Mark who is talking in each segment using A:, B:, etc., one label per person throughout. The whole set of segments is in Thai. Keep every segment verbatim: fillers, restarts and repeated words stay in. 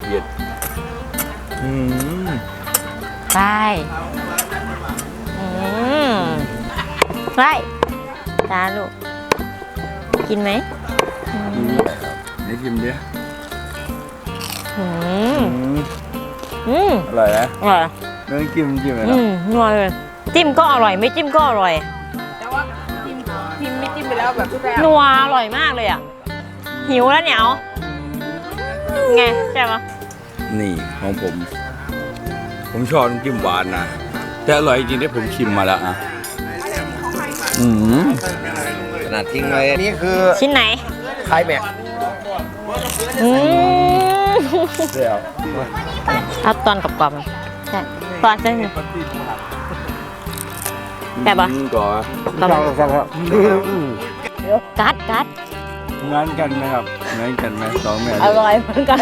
A: เผ็ดอืม
B: ไปอืมไปจ้าลูกกินไหม
A: นี่กินดิ
B: อืมอืม
A: อร่อยนะ
B: อร่อย
A: เรื่องจิ้มจิ้มเลย
B: อืมนัวเลยจิ้มก็อร่อยไม่จิ้มก็อร่อย
C: แต่ว่าจิ้มจิ้มไม่จิ้มไปแล้วแบบแซ่บ
B: นัวอร่อยมากเลยอ่ะหิวแล้วเนี่ยเอาไงใช่ปะ
A: นี่ของผมผมชอบน้ำจิ้มหวานนะแต่อร่อยจริงที่ผมชิมมาแล้วอ่ะอืม
D: ขนาดทิ้งเลยนี่คือ
B: ชิ้นไหน
D: ไข่แม็ก
B: อืม
A: เดี๋ยว
B: เอาตอนกรอบๆใช่ตอนเส้นแต่ปะ
A: ก่อน
B: กัดกัด
A: งานกันไหมครับงานกันไหมสองแม่
B: อร่อยเหมือนกัน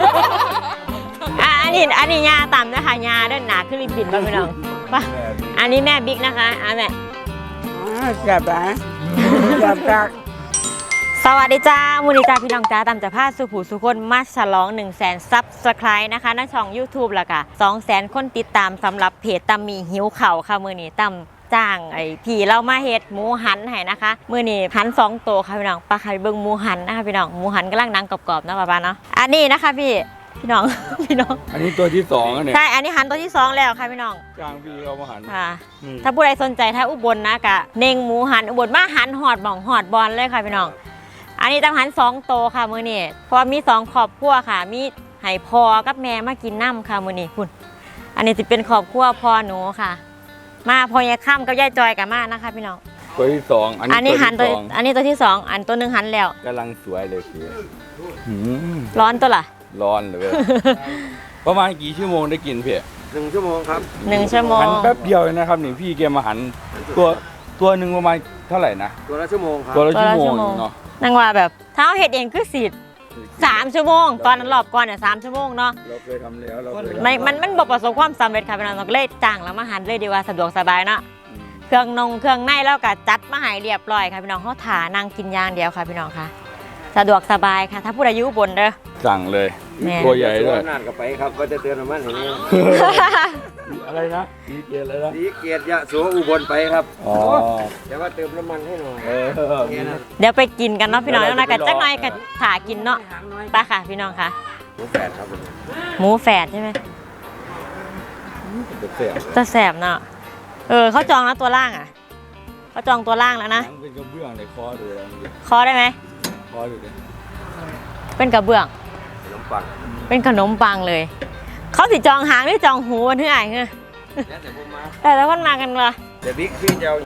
B: อันนี้อันนี้ยาต่ำนะคะยาด้านหนาขึ้นริบบิ้นป่ะพี่น้องป่ะอันนี้แม่บิ๊กนะคะอ่ะแม่
C: แซ่บนะแซ่บจัก
B: สวัสดีจ้ามูนิจ้าพี่น้องจ้าตามจากผ้าสุผูสุคนมาฉลองหนึ่งแสนซับสไครต์นะคะในช่อง ยูทูบ แล้วก็สองแสนคนติดตามสำหรับเพจตำมีหิวเข่าค่ะมือนี้ตำจ้างไอ้พี่เรามาเฮ็ดหมูหันให้นะคะมือนี้หันสองตัวค่ะพี่น้องปลาไข่เบิ้งหมูหันนะคะพี่น้องหมูหันกำลังนังกรอบๆนะป้าๆเนาะอันนี้นะคะพี่พี่น้องพี่น้อง
A: อันนี้ตัวที่สองเนี่ย
B: ใช่อันนี้หันตัวที่สองแล้วค่ะพี่น้อง
A: จ้างพี่เรามาหัน
B: ค่ะถ้าผู้ใดสนใจถ้าอุบลนะกะเน่งหมูหันอุบลมาหันหอดบ่องหอดบอลเลยค่ะพี่น้องอันนี้ต้องหันสองโตค่ะมือนี่เพราะมีสองครอบครัวค่ะมีไห่พอกับแม่มากินน้ำค่ะมือนี่คุณอันนี้จะเป็นครอบครัวพ่อหนูค่ะมาพอยายข้ามกับยายจอยกันมานะคะพี่น้อง
A: ตัวที่สอง
B: อันนี้หันตัวอันนี้ตัวที่สองอันตัวหนึ่งหันแล้ว
A: กำลังสวยเลยคือ
B: ร้อนตัวล่ะ
A: ร้อนเลยประมาณกี่ชั่วโมงได้กินพี่
D: หนึ่งชั่วโมงครับ
B: หนึ่งชั่วโมง
A: หันแป๊บเดียวนะครับนี่พี่แกมาหันตัวตัวหนึ่งประมาณเท่าไหร่นะ
D: ตัวละชั่วโมงครับ
A: ตัวละชั่วโมงเนาะ
B: นั่งว่าแบบเท้าเห็ดเองคือสิสามชั่วโมงตอนนั้นรอบก่อนเนี่ยสามชั่วโมงเนาะ
A: เราเคยทำแล้วเราเคย
B: มันมันมันบอกประสบความสำเร็จค่ะพี่น้องเราเลยจ้างแล้วมาหันเลยดีว่าสะดวกสบายเนาะเครื่องนงเครื่องในแล้วก็จัดมาให้เรียบร้อยค่ะพี่น้องเขาถานั่งกินอย่างเดียวค่ะพี่น้องค่ะสะดวกสบายค่ะถ้าผู้ใดอยู่บนเด้อ
A: สั่งเลยตัวใหญ่ด้วย
D: นานกับไปครับก็จะเตือนมันอย่างนี้
A: อะไรนะดีเกียร์อะไรนะ
D: ดีเกียร์ยะโสอุบลไปครับ
A: อ๋อ
D: เดี๋ยวว่าเติมน้ำมันให้หน่อย
B: เดี๋ยวไปกินกันเนาะพี่น้องแล้วนะกันจักหน่อยกันถากินเนาะไปค่ะพี่น้องค่ะ
D: หมูแฝดครับ
B: หมูแฝดใช่ไหมจะแสบเนาะเออเขาจองแล้วตัวล่างอ่ะเขาจองตัวล่างแล้วนะ
A: เป็นกระเบื้องเลยคอดู
B: คอได้ไหม
A: คอดูเลย
B: เป็นกระเบื้อง
D: ขนมปัง
B: เป็นขนมปังเลยเขาสิจองหางหรือจองหูวันที่ไหนเงี้ยแต่แล้วคนมากันวะ
D: เดี๋ยวบิ๊กพี่จะเอา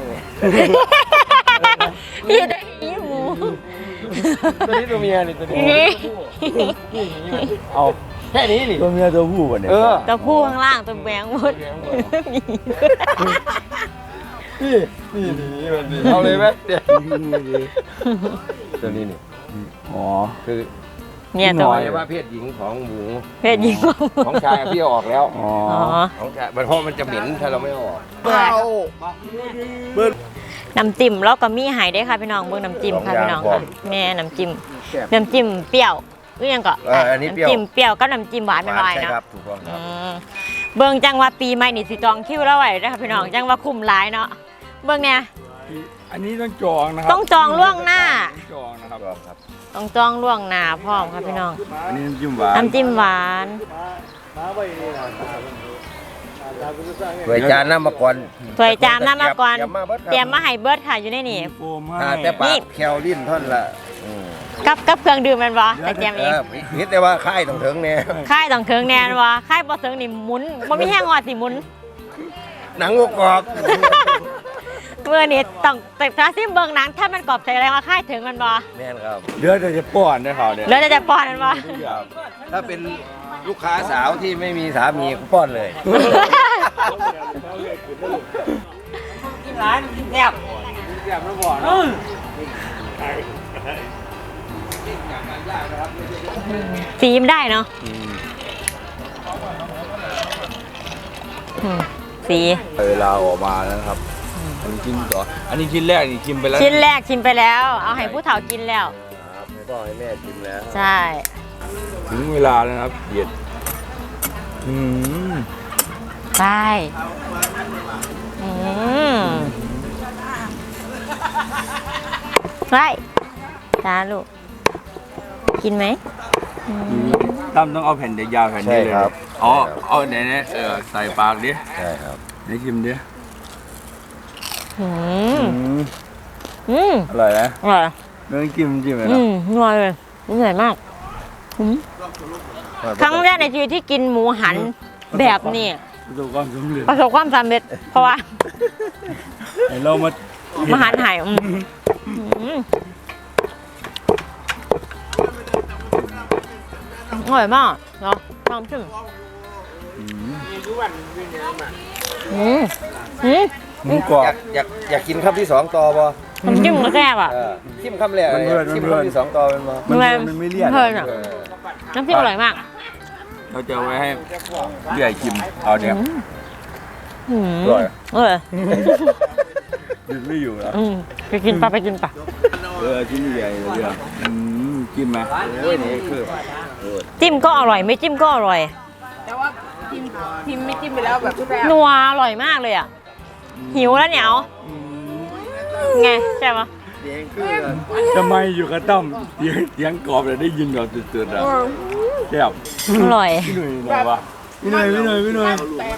B: พี่ได้ยี่หมู
D: ตัวนี้ตัวเมียนี่ตัวนี้เอาแค่นี้นี่
A: ตัวเมียตัวผู้วันนี้
B: ตัวผู้ข้างล่างตัวแบงหมด
D: นี่นี่นี่มันนี่เอาเลยไหมเดี๋ยวตัวนี้นี่
A: อ๋อ
D: คือ
B: เนี่ยตัว
D: ว่าเพศหญิงของหมู
B: เพศหญิง
D: ของชายพี่เอาออกแล้ว
A: อ๋อ
D: ของชายเพราะมันจะเหม็นถ้าเราไม่ออก
B: น้ำจิ้มแล้วก็มีหายได้ค่ะพี่น้องเบื้องน้ำจิ้มค่ะพี่น้องค่ะแม่น้ำจิ้มน้ำจิ้มเปรี้ยวหรือยังก็น้ำจิ้มเปรี้ยวก็น้ำจิ้มหวานไม่ไหวเนาะเบื้องจังว่าปีใหม่นี่สิจองคิวแล้วไหวนะคะพี่น้องจังว่าคุ้มหลายเนาะเบื้องเนี่ย
A: อันนี้ต้องจองนะครับ
B: ต้องจองล่วงหน้า
A: จองนะครับ
B: ต้องจองล่วงหน้าพร้อมครับพี่น้อง
A: อันนี้น้ำจิ้มหวาน
B: น้ำจิ้มหวาน
D: ถ้วยจานน้ำมาก่อน
B: ถ้วยจานน้ำมาก่อนเตรียมมาให้เบิร์ดค่ะอยู่ในนี่
D: แต่ปากแคลลิ้นท่อนละ
B: กับกับเครื่องดื่มมันวะแต่เตรียมเอง
D: นิดแต่ว่าค่ายต้องถึงเนี่ย
B: ค่ายต้องถึงแน่นวะค่ายบ่ถึงนี่หมุนมันไม่แห้งงอสิหมุน
D: หนังกรอบ
B: เมื่อนี้ต้องแต่ถ้าซิมเบิ้งหนังถ้ามันกรอบใจอะไรมาค่ายถึงมันบ่
D: แม่นครับ
A: เลือดจะป้อนได้เขาเนี่ย
B: เลือดจะป้อนมันบ่
D: ถ้าเป็นลูกค้าสาวที่ไม่มีสามีก็ป้อนเลย
B: กินร้านกินแซ่บ
D: แซ่บแล้วบ่เนาะ
B: ซีมได้เนาะสี
A: เวลาออกมานะครับอันนี้กินต่ออันนี้ชิ้นแรกนี่ชิมไปแล้ว
B: ชิ้นแรกชิมไปแล้วเอาให้ผู้เฒ่ากินแล้ว
D: ครับไม่ต้องให้แม่ชิมแล้ว
B: ใช่
A: ถึงเวลาแล้วนะครับเย็ดอืม
B: ใช่อืมใช่จ้าลูก กินไหมอืม
A: ตั้มต้องเอาแผ่นยาวๆแผ่นนี้เลย
D: ใช่ครับ
A: อ๋อเอาไหนเนี่ยเออใส่ปากดิ
D: ใช่ครับ
A: ไหนชิมดิ
B: อืม
A: อืม
B: อืม
A: อร่อยนะ
B: อร่อย
A: ไม่ต้องจิ้มจิ้มเลย
B: อื
A: นะ
B: มอร่อยเลยอร่อยมากอืมครั้งแรกในชีวิตที่กินหมูหันแบบนี้
A: ประสบความสำเร็จ
B: ประสบความสำเร็จ เพราะว่า
A: เดี๋ยวเรามา
B: มาหันหายอืมอืมอร่อยมากเนาะลองชิมอืมอืม
A: หมูกรอ
D: อบ ยากอยากอยากกินคำที่สองต่อบ่
B: น้ำจิ้มก็แซ่บอ่ะ
D: เออชิมคำแรก
A: มันเบื่อ
D: ชิม
A: มันเบื่อ
D: คำที่สองต่อเป็นบ่
A: มัน
B: แม่
A: มันไม่เลี่ยน
B: เพลินอะ
D: เออ
B: น้ำจิ้มอร่อยมาก
A: เราจะเอาไว้ให้พี่ใหญ่ชิมเอาเนี่ย
B: อืม
A: อร่อย
B: เออ
A: หยุดไม่อยู่แล้ว
B: อืมไปกินปะไปกินปะ
A: เออชิ้นใหญ่เลยอ่ะอืมจิ้มไหม
D: โอ้ยนี่คือ
B: จิ้มก็อร่อยไม่จิ้มก็อร่อย
C: แต่ว่าพิมพิมไม่จิ้มไปแล้วแบบแซ่บ
B: นัวอร่อยมากเลยอ่ะหิวแล้วเนี่ยเอาไงใช่ปะ
D: เสียงคือ
A: ทำไมอยู่กับตั้มเสียงเสียงกรอบเลยได้ยินแบบสุดๆอ่ะแซ่บ
B: อร่อย
A: พี่หนุ่ยหน่อยวะพี่หนุ่ยพี่หนุ่ยพี่หนุ่ย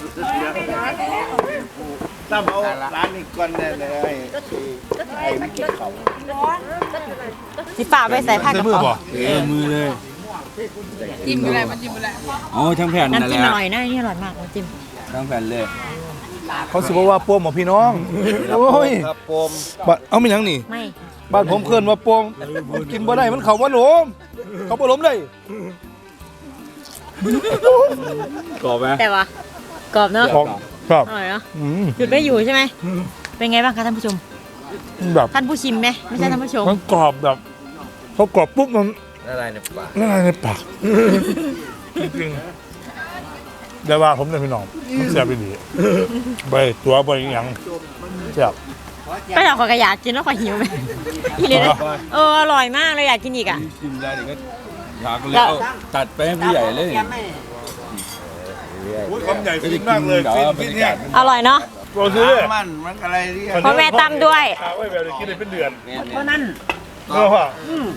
D: ตั้มเอาร้านนี้ก่อนแน่เลยไอ้ไอ้ไม่กินเขา
B: สิป่าไปใส่ผ้ากระเป๋า
A: เออมือเลย
C: ๆจิ้มอะไรมันจิ้มอะไร
A: อ๋อทั้งแผ่นนั่น
B: น้ำ
A: แห
B: จิ้ม
A: ละ
B: อร่อยนะนี่อร่อยมากน้ำจิ้ม
A: ทั้งแผ่นเลย
E: เขาสิบอกว่าโปมของพี่น้อง โอ้ย
D: ครับปม
E: บัดเอาไม่ยังนี่
B: ไม่
E: บ้านผมเคลื่อนว่าโปมมันกินบ่ได้มันเขาว่าหลมเขาบ่หลมเลย
A: กรอบไหม
B: แต่ว่ากรอบเนาะ
E: ของครับ
B: อร่อยเนาะ
E: อืม
B: หยุดไม่อยู่ใช่ไหมเป็นไงบ้างคะท่านผู้ชม
E: แบบ
B: ท่านผู้ชิมไหมไม่ใช่ท่านผู้ชม
E: มันกรอบแบบเขากรอบปุ๊บมัน
D: อะไรในปาก
E: ละลายในปากจริงๆแต่ว่าผมเนี่ยพี่น้องมันแซ่บไปดีใบตัวใบหยังแซ่บ
B: ก็เราขอยากอยากกินแล้วขอยหิวไหมอีเลยนะเอออร่อยมากเลยอยากกินอีกอ่ะ
A: ชิมได้เดี๋ยวก็อยากเลยเอาตัดไปให้พี่ใหญ่เลย
E: อุ้ยคำใหญ่ฟินมากเลย
A: ดี๋ว
E: ฟิน
A: อาบร
E: ฟิน
A: ร
E: เนี่ย
A: ยาก
B: อร่อยเนาะ
E: โปรซื้อเลย
D: มันมันอะไรที่
B: เพราะแม่ตำด้วย
E: ตาไว้แบบนี้กินได้เป็นเดือน
C: เพราะนั้น
E: เออว่ะ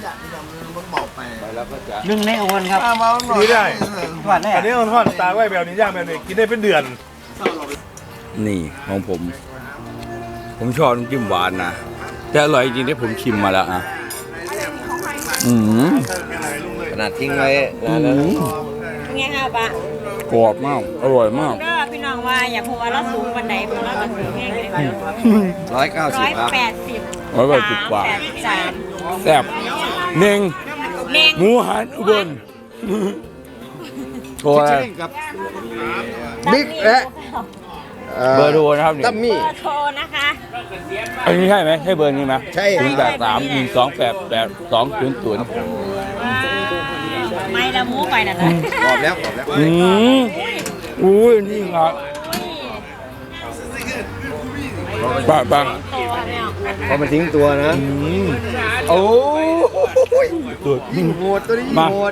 A: แล้วก็จะ
C: หนึ่งในโอนครับ
D: มาหน่อย
E: ดีได้
C: หวานแน่
E: อันนี้มันทอดตาไว้แบบนี้ย่างแบบนี้กินได้เป็นเดือน
A: นี่ของผม ผมชอบน้ำจิ้มหวานนะแต่อร่อยจริงที่ผมชิมมาแล้วอ่ะอืม
D: ขนาดทิ้งไว้
A: อื
D: นานแล้ว
A: ม
B: ไงคะปะ
A: กรอบมากอร่อยมาก
B: ก็พี่น้องว่าอยากพูดว่าเราสูงวันไหนพวกเราก็สูงแห้งเลย
D: ร้อยเก้าสิ
B: ร้
D: บ
B: อย
D: ครับ
B: แปดสิบ
A: ร้อยแปดสิบกว่า
B: แปดสิบสาม
A: แซ่บเน่ง
B: เน่ง
A: หมูหันอุบลโทรอะไร
D: กับบิ๊กและ
A: เบอร์โทรนะครับเนี่ย
D: ตั้มมี่
B: เบอร์โทรนะคะ
A: อันนี้ใช่ไหมใช่เบอร์นี้ไหม
D: ใช่
A: ศูนย์แปดสามหนึ่งสองแปดแปดสองศูนย์ศูนย์
B: ไม่ละมูไปนั่นเลย
D: กรอบแล้วกรอบแล้ว
A: อืมอุ้ยนี่ครับปังปัง
B: โตแล้วเนี่ย
D: พอมันทิ้งตัวนะ
A: อืม
D: โอ้ย
A: ตัว
D: ยิ่งโหดตัวนี้ยิ่งโหด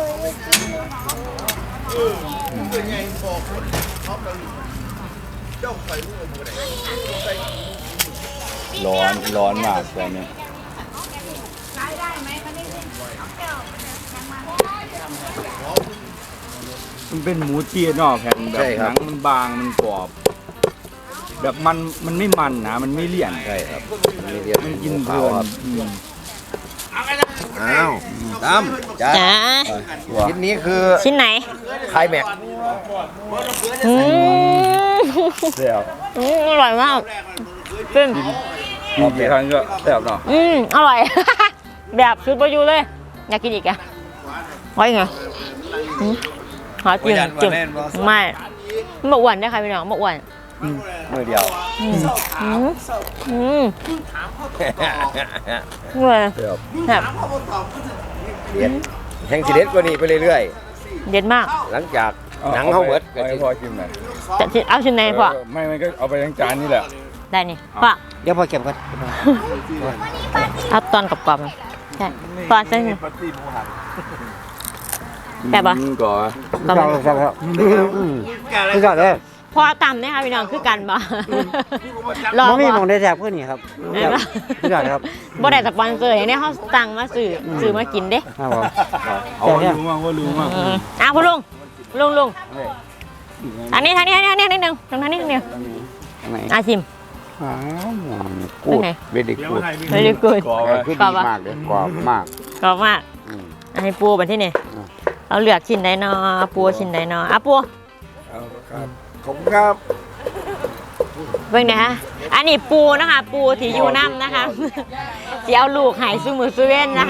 A: ร้อนร้อนมากตอนนี้มันเป็นหมูเจี๊ยนอกแผ่นแบบหนังมันบางมันกรอบ แบบมันมันไม่มันนะมันไม่เลี่ยน
D: ใช่ครับมันมีเดียว
A: มันกินเพ
D: ขา
A: ลิ
D: วน ครับ
A: อืม
D: อ้าวตั้มจ้า
B: จ๋า
D: ชิ้นนี้คือ
B: ชิ้นไหน
D: ไคลแม็กซ์
B: อืม
A: แซ่บ
B: อืมอร่อยมากเป็น
A: กินกี่ครั้งก็แซ่บเนาะ
B: อืมอร่อย แบบซื้อไปอยู่เลย อยากกินอีกอะไว้ไงอืมหาจิ้มจิ้มไม่ไม่อ้วนได้ค่ะพี่น้องไม่อ้วน
D: มือเดียว
B: อืมอืมอืมเหนื่อย
A: แซ่บ
B: แบบ
D: เด็ดแห่งสิเด็ดกว่านี้ไปเรื่อย
B: เด็ดมาก
D: ๆ หลังจากหนังเขาเบิด
A: เอาให้พอชิมหน่อย
B: จะชิ้นเอาชิ้นไหนพ่อ
A: เออไม่ไม่ก็เอาไปทั้งจานนี่แหละ
B: ได้นี่พ่อ
D: เดี๋ยวพอเก็บกัน
B: เอาตอนกรอบๆมันใช่ตอนเส้นแต่ปะ
A: อืมก่อน
B: ต่อ
C: ครับ
B: ไป
C: ครับครับคือกันเลย
B: พอต่ำเนี่ยค่ะพี่น้องคือกันบ่รอ
C: มันมี
B: บ่
C: มองได้แซ่บขึ้นนี่ครับ
B: ได้ปะ
C: คือกันครับ
B: บ่ได้สปอนเซอร์อย่างนี้เขาสั่งมาซื้อซื้อมากินเด้
C: ครับผม
A: เอารู้มากว่ารู้มาก
B: อืมอ้าวคุณลุงลุงลุงอันนี้ทางนี้ทางนี้ทางนี้นิดนึงตรงทางนี้นิดนึง
C: ไหน
B: อาชิม
C: อ้าว
B: กูด
C: เวดิกูด
B: very good
A: ก่อนไว้
C: คือ
B: กร
C: ดี
B: อบปะ
C: มากเลยกรอบมาก
B: กรอบมาก
C: อืม
B: อันนี้ปูแบบที่นี่
C: อ่ะ
B: เราเลือกชิ้นใดเนาะปูชิ้นใดเนาะอ่ะปู
A: เอาครับ
C: ผมครับ
B: เบิ่งนะฮะอันนี้ปูนะคะ ปูที่อยู่น้ำนะคะสิเอาลูกไห้ซูมือซูเว่นนะคะ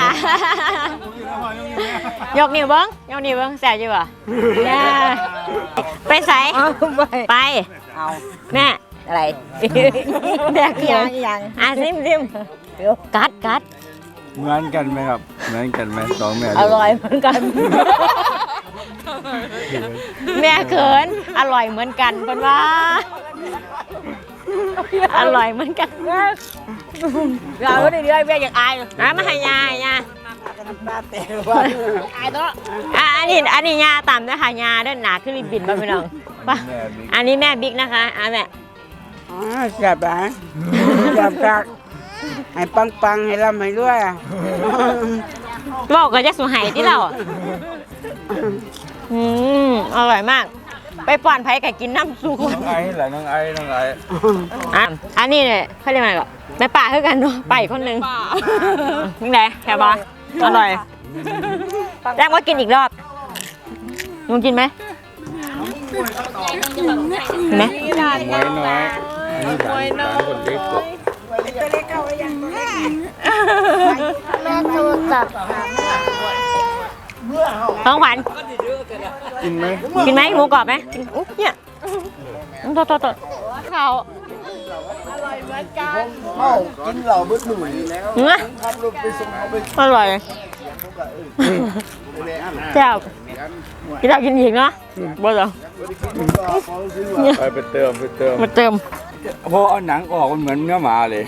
B: ยกนิ้วเบิ้งยกนิ้วเบิ้งแสบอยู่ป่ะเนี่ยไปใส่ไป
C: เอา
B: แม่
C: อะไร
B: แบกเขียวยังอ่ะซิมซิมกัดกัด
A: เหมือนกันไหมครับเหมือนกันไหมสองแม่
B: อร่อยเหมือนกัน แม่เขินอร่อยเหมือนกันเป็นว่า อร่อยเหมือนกันเราเรื่อยๆแม่อยากอายอ่ะมาให้ยายยาอายตัวอ่ะอันนี้อันนี้ยาต่ำนะคะยาด้านหนาขึ้นริบบินมาพี่น้องป่ะอันนี้แม่บิ๊กนะคะอ่ะแม่
C: อ๋อแซ่บอ่ะแซ่บกักให้ปังปังๆให้ร่ำให้รวยอ่ะ
B: บอกก็จะสูหายที่เราอ่ะอืมอร่อยมาก ไปป่อนไผ่ไก่กินน้ำซุป
A: น้องไอ้แหละน้องไอ้น้องไอ้
B: อ่ะอันนี้เนี่ยเขาเรียกอะไรก่อนแม่ป่าคือกันเนาะไปอีกคนนึงนี่ไงแค่บออร่อยแรกว่ากินอีกรอบลุงกินไหมเห็นไหม
A: น้อยน้อยอันนี้สามสามคนเล็กสุด
B: ท้องขวัญ
A: กินไหม
B: กินไหมหมูกรอบไหมกินอุ๊ยเนี่ยอืมโทษโทษโทษเขา
C: กินเหล่าเบิ้ลหนุ่ยแล้ว
B: เนื้ออร่อยแซ่บกินแล้วกินอีกเนาะบ่เหรอ
A: ไปไปเติมไปเติม
B: มาเติม
A: เพราะเอาหนังออกมันเหมือนเนื้อหมาเลย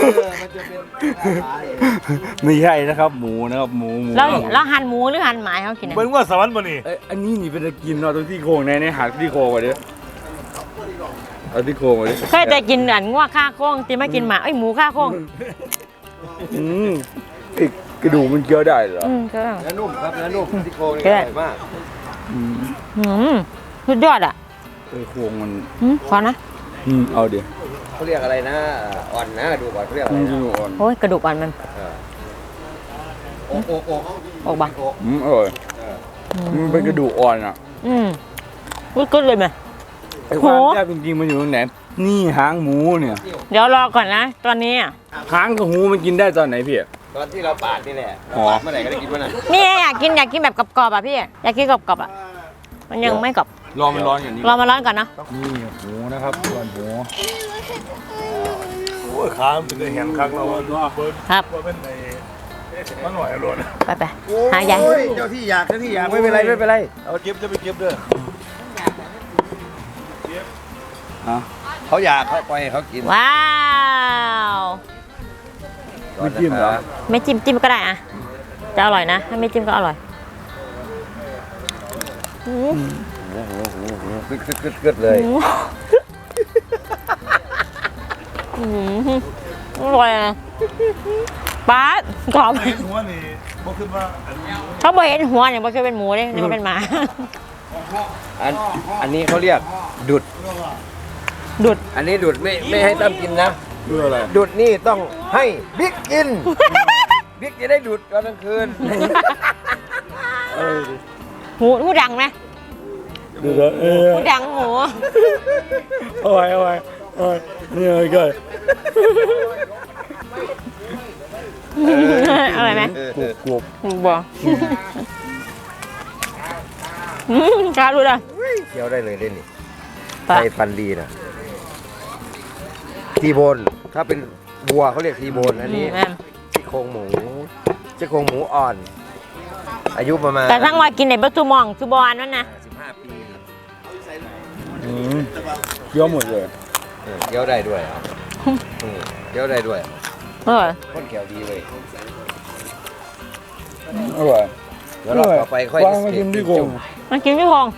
A: ไม่ใช่นะครับ หมูนะครับหมูหมู
B: แล้วแล้วหั่นหมูหรือหั่นหมาให้เขากินอะ
E: เบิ่งว่าสวรรค์บ่นี่
A: เอ้ยอันนี้นี่เป็นตะกินเนาะตรงที่โครงในในหักที่โครงมาดิเอาที่โครงมาดิ
B: เคยแต่กินอันงัวข้าโค้งตีไม่กินหมาเอ้ยหมูข้าโค้ง
A: อืมไอ้กระดูกมันเคี้ยวได้เหรอ
B: อืมก็
D: เนื้อนุ่มครับเนื้อนุ่มที่โครงนี่
B: ก็
D: อ
B: ได้
D: ร่อยมาก
A: อืม
B: อืมสุดยอดอ่ะ
A: ไอ้โครงมัน
B: อืมขอนะ
A: อืมเอาเดี๋ยว
D: เขาเรียกอะไรนะอ่อนนะดูก่อนเขาเรียกอะไร
A: อืม
D: นะ
A: กระดูกอ่อน
B: โอ้ยกระดูกอ่อนมัน
D: โอ้โอ้โอ้
B: ออกบัง
A: อืมอร่อยมันเป็นกระดูกอ่อนอ่ะ
B: อืมพูดก็เลยไหม
A: ไอ้ความ
B: โห
A: แซ่บจริงๆมันอยู่ตรงไหนนี่หางหมูเนี่ย
B: เดี๋ยวรอก่อนนะ ตอนนี้อะ
A: หางกับหูมันกินได้ตอนไหนพี่
D: ตอนที่เราปาดนี่แหละ
A: อ๋อ
D: ปาดเมื่อไหร่ก็ได้กินเมื่อนั้น
B: นี่อยากกินอยากกินแบบกรอบๆอ่ะพี่อยากกินกรอบๆอ่ะมันยังไม่กรอบ
A: รอมันร้อนอย่างนี้
B: รอมาร้อนก่อนนะ
A: นี่หมูนะครับส่วนหมู
E: โอ้ยขามันเป็นได้เห็นคักเราว่าเบิ่ง
B: ครับ
E: ว่าเป็นไอ้มันหน่อยอร่อย
B: ไปไปหายาย
D: โอ้เจ้าที่อยากเจ้าที่อยากไม่เป็นไรไม่เป็นไรเอาเก็บจะไปเก็บเด้อ
A: อ่ะ
D: เขาอยากเขาปล่อยให้เขากิน
B: ว้าว
A: ไม่จิ้มเหรอ
B: ไม่จิ้มจิ้มก็ได้อ่ะจะอร่อยนะถ้าไม่จิ้มก็อร่อยอืม
D: กึดกึดกึดกึดเลย
B: อืมอร่อยอ่ะป๊าดกรอบ
E: ไอ้หัวนี่บ่คิดว่าอันนี้
B: เขาบอกเห็นหัวเนี่ยมันคือเป็นหมูเลยนี่มันเป็นหมา
D: อันอันนี้เขาเรียกดุด
B: ดุด
D: อันนี้ดุดไม่ไม่ให้ตั้มกินนะ
A: ดูอะไร
D: ดุดนี่ต้องให้บิ๊กกิน บิ๊กจะได้ดุดตอนกลางคืน
B: หูหูดังไหม
A: ดูแล้วเออ
B: หูดังหมู
A: เอาไว้เอาไว้เอาไว้นี่เลยก่อน
B: อร่อยไหม
A: กรุบกรุบ
B: บอกกล้าดูเลย
D: เคี้ยวได้เลยเล่นนี่
B: ปะ
D: ใส่ฟันดีนะทีโบนถ้าเป็นบัวเขาเรียกทีโบนอันนี้
B: แม่น
D: ซี่โครงหมูซี่โครงหมูอ่อน อายุประมาณ
B: แต่ทั้งวันกินในบัตตูมองซูบอนนั่นนะ
D: สิบห้าปี
A: อืมเคี้ยวหมดเลย
D: เออเคี้ยวได้ด้วยอ่ะอืมเคี้ยวได้ด้วย
B: เออ
D: คนแขวดีเลย
A: อร่อย
D: เดี๋ยวรอบต่อไปค่อย
E: วางมากินที่โกง
B: มันกินพี่พง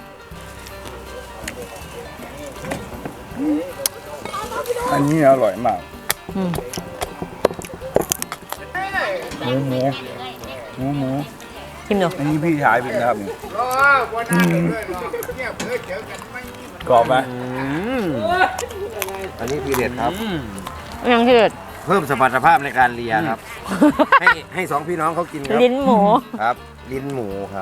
E: อันนี้อร่อยมาก
B: อืม
E: หมูหมูหมูหมู
B: ชิมดู
E: อันนี้พี่ชายเป็นนะครับนี่กรอบไหม
D: อันนี้ทีเด็ดครับ
B: ยังเกิด
D: เพิ่มสมรรถภาพในการเลียครับ ให้ให้สองพี่น้องเขากินครับ
B: ลิ้นหมู
D: ครับ ลิ้นหมูครับ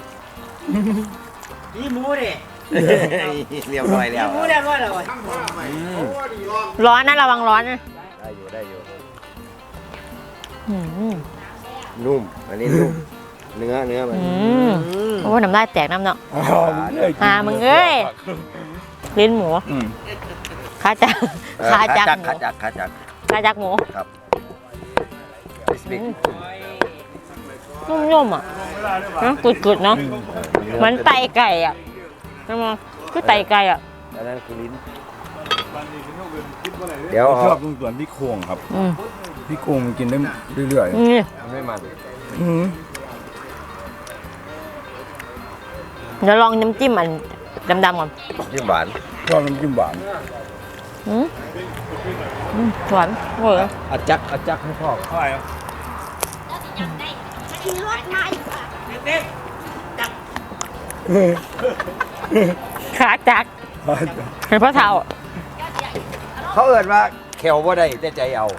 C: นี่หมูดิ
D: เรียบร้อยแล้ว
C: หมูเรียบร้อยแล้ว
B: ร้อนนะระวังร้อนนะ
D: ได้อยู่ได้อยู่
B: อืม
D: นุ่ม อันนี้นุ่ม เนื้อเนื้อมัน
B: อืมโอ้น้ำลายแตกน้ำเนาะ
E: อ๋อมึงเอ้ย
B: อ่ามึงเอ้ย ลิ้นหมู
E: อืม
B: ขาจัก
D: เออ
B: ขาจัก
D: ขา
B: หมู
D: จักขาจัก
B: ขาจักหมู
D: ครับ
B: นุ่มๆอ่ะนะกุดๆเนาะเหมือนไตไก่อ่ะใช่ไหมคือไตไก่อ่ะ
D: อันนั้นคือลิ้น เดี๋ยว
E: ชอ
D: เอา
E: บตรงส่วนพี่โครงครับ
B: อืม
E: พี่โครงมันกินได้เรื่อย
B: นี่
D: มันไม่มัน
E: ๆอืม
B: เดี๋ยวลองน้ำจิ้มอันดำๆก่อน
D: จิ้มหวาน
E: ชอบน้ำจิ้มหวาน
B: อืมอืมหวานโอ้ย
D: อาจักอาจักให้พ่อ
E: เท่าไหร่ครับ
B: ขาจักเป็นพ่อเท่า
D: เขาเอิดว่าแขวว่าได้แต่ใจเอา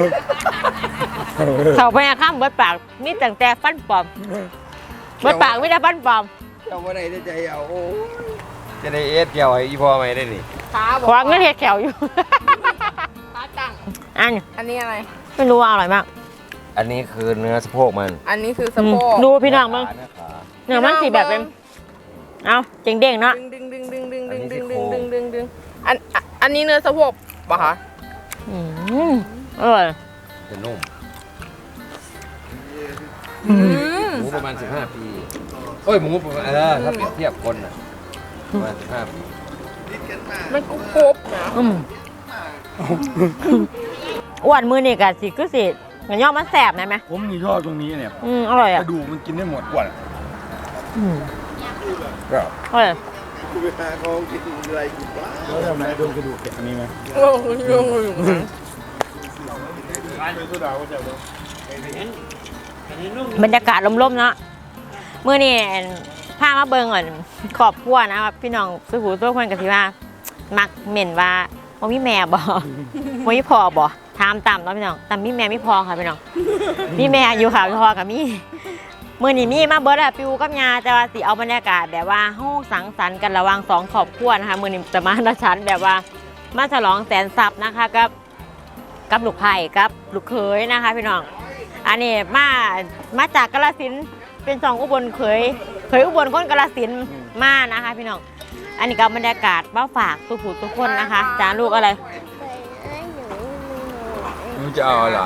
B: เท่าไปอะข้ามเบิดปากมีแต่แต่ฟันปลอมเบิดปากไม่ได้ฟันปลอม
D: แขวว่าได้แต่ใจเอาโอ้จะได้เอสแขวให้อีพ่อไหมได้นี่
B: ขวางเงินเห็ดแขวอยู่
F: ขาจัง
B: อัน
F: อันนี้อะไร
B: ไม่รู้ว่าอร่อยมาก
D: อันนี้คือเนื้อสะโพกมัน
F: อันนี้คือสะโพก
B: ดูพี่น้องมึง
D: เนื้อขา
B: เนื้อมันสีแบบเป็นเอาเจ๋งเด้งเนาะ
F: ดึงดึงดึงดึงดึงดึงดึงดึงดึงดึงดึงอันอ่ะอันนี้เนื้อสะโพกปะคะ
B: อืมอร่อย
D: จะนุ่ม
F: อืม
D: หมูประมาณสิบห้าปีเอ้ยหมูประมาณเออถ้าเปรียบเทียบคนน่ะประมาณสิบห้าปี
F: มันกรุบกรุบนะ
B: อืมอ้วนมือนี่กะสิคือสิเงี้ยย่อมันแสบนะไหม
E: ผมนี่ชอบตรงนี้เนี่ย
B: อืมอร่อย
E: ก
B: อ่ะ
E: ระดูกมันกินได้หมดกว่า
B: อืม
E: ก็
B: อร่อย
E: แล้วทำไมโดนกระดูกแกะอันนี้ไหม
F: โอ้โหโอ้โห
B: บรรยากาศลมๆเนาะมือนี่พามาเบิ่งก่อนขอบครัวนะครับพี่น้องสุขุตัวคนกับที่ว่า มักเหม็นว่าว่ามีแม่บ่ ว่ามีพ่อบ่ถามตามเนาะพี่น้องแต่มีแม่มีพ่อค่ะพี่น้องมีแม่อยู่ค่ะพ่อกับมีมือนี่มีมาเบิร์ดอะปิวกับยาแต่ว่าสิเอาบรรยากาศแบบว่าห้องสังสรรค์กันระหว่างสองครอบครัวนะคะมือนี่จะมาดชันแบบว่ามาฉลองแสนทรัพย์นะคะกับกับลูกไผ่กับลูกเขยนะคะพี่น้องอันนี้มามาจากกาฬสินธุ์เป็นสองอุบลเขยเขยอุบลคนกาฬสินธุ์มานะคะพี่น้องอันนี้ก็บรรยากาศมาฝากทุกผู้ทุกคนนะคะจานลูกอะไร
E: มันจะเอาอะไร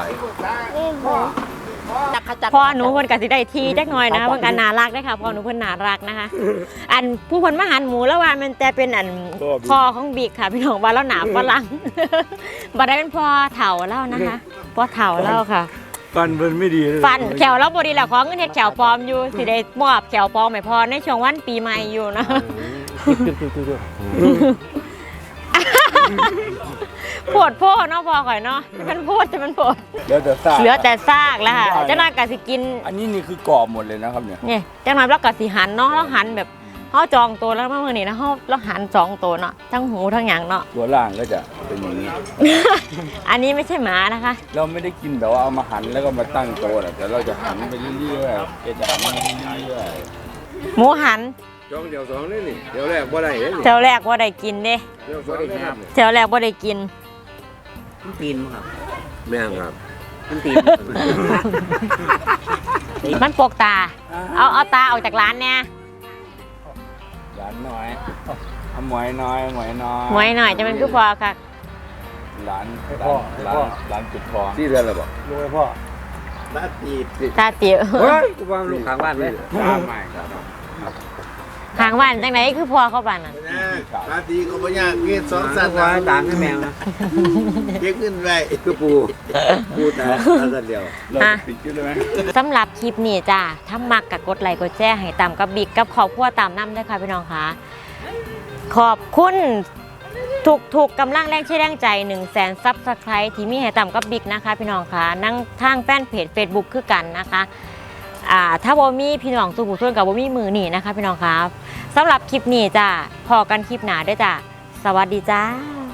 F: จักขจัก
B: พ่อหนูเพิ่นก็สิได้ทีจักหน่อยนะคะเพิ่นก็น่ารักเด้อค่ะพ่อหนูเพิ่นน่ารักนะคะ อันผู้เพิ่นมาหันหมูแล้วว่ามันแต่เป็นอันพ่อของบิ๊กค่ะพี่น้องว่าแล้วหนาฝรั่ง บ่ได้เป็นพ่อเฒ่าแล้วนะคะพ่อเฒ่าแล้วค่ะ
E: ฟันมันไม่ดีเลย
B: ฟันแขวเราบ่ดีแล้วขอเงินเฮ็ดแขวปลอมอยู่สิได้มอบแขวปลอมให้พ่อในช่วงวันปีใหม่อยู่นะ โพดโพดเนาะพ่อข่อยเนาะมันโพดจะมันโพด
E: เหลือแต่ซาก
B: เหลือแต่ซากแล้วค่ะเจ้านายก็สิกิน
E: อันนี้นี่คือกรอบหมดเลยนะครับเนี่ย
B: เนี่ยจังหวะเราก็สิหันเนาะเราหันแบบเขาจองตัวแล้วเมื่อนี้นะเขาเราหันสองตัวเนาะทั้งหูทั้งหยางเนาะ
E: ตัวล่างก็จะเป็นอย่างนี้
B: อันนี้ไม่ใช่หมานะคะ
E: เราไม่ได้กินแบบว่าเอามาหั่นแล้วก็มาตั้งโต๊ะหรอกแต่เราจะหั่นไปเรื่อยๆเอจะหั่นไปเรื่อย
B: หมูหัน
D: จ้องเดี๋ยวสองนี่นี่เดี๋ยวแรกบ่ได้เลยนี่
B: แถวแรกว่าได้กินเด้
D: เดี๋ยวสองได้ครับ
B: แถวแรกว่าได้กิน
C: ตีนครับ
D: แม่งครับ
C: มันตีน
B: มันปกตา เอาเอาตาออกจากร้านเนี่ย
E: ๆร้านน้อยเอาหมวยน้อยหมวยน้อย
B: หมวยหน่อยจะเป็นคือพอค่ะ
E: ร้านร้านร้านร้านจุดทอง
D: ที่เรือนอะไรบอก
E: รู้ไหมพ่อ
D: ลาตี
B: ตาเตี๋ยว
D: เฮ้ยกูว่าลูกข้างบ้านไหม
E: ตามใหม่ครับ
B: หาางบ้านจังไหนคือพ่อเขาบ้านน่ะ
D: ปาตีก็ไม่ยากเงี้ยสองสัตว์
C: ว่าต่างให้แมวนะ
D: เก็บเงินไว้
C: คือปูปูแต่ละเดียว
B: อ่ะสำหรับคลิปนี้จ้าถ้ามักกับกดไลค์กดแชร์ให้ตามกับบิ๊กกับครอบครัวตามน้ำด้วยค่ะพี่น้องค่ะขอบคุณถูกถูกกำลังแรงเชื่อแรงใจ1นึ่งแสนซับสไครต์ที่มีให้ตามกับบิ๊กนะคะพี่น้องค่ะนั่งทางแฟนเพจ Facebook คือกันนะคะอ่าถ้าบ่มีพี่น้องสู่ผู้ส่วนกับบ่มีมือนี่นะคะพี่น้องค่ะสำหรับคลิปนี้จ้าพอกันคลิปหน้าด้วยจ้าสวัสดีจ้า